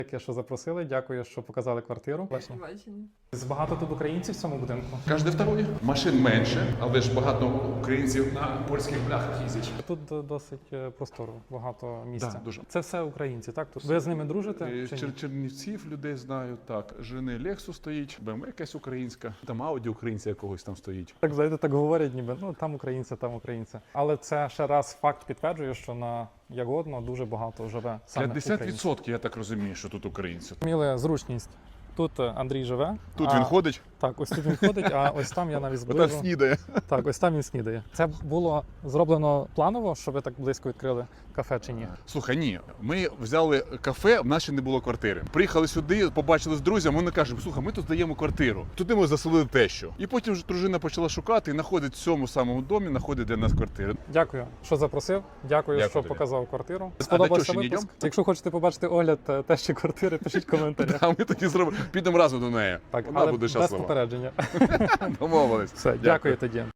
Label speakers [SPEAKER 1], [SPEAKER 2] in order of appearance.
[SPEAKER 1] Дякую, що запросили, дякую, що показали квартиру.
[SPEAKER 2] Бачення.
[SPEAKER 1] Багато тут українців в цьому будинку.
[SPEAKER 3] Кожне второе. Машин менше, але ж багато українців на польських бляхах їздять.
[SPEAKER 1] Тут досить просторо, багато місця.
[SPEAKER 3] Да, дуже.
[SPEAKER 1] Це все українці, так? Ви з ними дружите? чи ні?
[SPEAKER 3] Чернівців людей знаю, так. Жени Лексус стоїть, БМВ якась українська, там Ауді українця якогось там стоїть.
[SPEAKER 1] Так, знаєте, так говорять, ніби, ну, там українці, там українці. Але це ще раз факт підтверджує, що на Ягодно дуже багато живе саме українців.
[SPEAKER 3] 50% я так розумію, що тут українці.
[SPEAKER 1] Міли зручність. Тут Андрій живе.
[SPEAKER 3] Тут він ходить,
[SPEAKER 1] Так, ось тут він ходить, а ось там я навіть
[SPEAKER 3] отак
[SPEAKER 1] зближу.
[SPEAKER 3] снідає.
[SPEAKER 1] Так, ось там він снідає. Це було зроблено планово, що ви так близько відкрили кафе чи ні?
[SPEAKER 3] Слухай, ні, ми взяли кафе, в нас ще не було квартири. Приїхали сюди, побачили з друзями, вони кажуть, слухай, ми тут здаємо квартиру. Туди ми заселили тещу. І потім вже дружина почала шукати і знаходить в цьому самому домі, знаходить для нас квартиру.
[SPEAKER 1] Дякую, що запросив. Дякую,
[SPEAKER 3] Дякую
[SPEAKER 1] що
[SPEAKER 3] тобі.
[SPEAKER 1] показав квартиру.
[SPEAKER 3] до
[SPEAKER 1] Сподобався
[SPEAKER 3] тещі не
[SPEAKER 1] випуск?
[SPEAKER 3] йдемо?
[SPEAKER 1] Якщо хочете побачити огляд тещі квартири, пишіть в коментарях.
[SPEAKER 3] А ми тоді зробимо, підемо разом до неї.
[SPEAKER 1] Так,
[SPEAKER 3] Вона
[SPEAKER 1] але
[SPEAKER 3] буде
[SPEAKER 1] без
[SPEAKER 3] щаслива.
[SPEAKER 1] попередження.
[SPEAKER 3] Домовились.
[SPEAKER 1] Все, дякую тоді.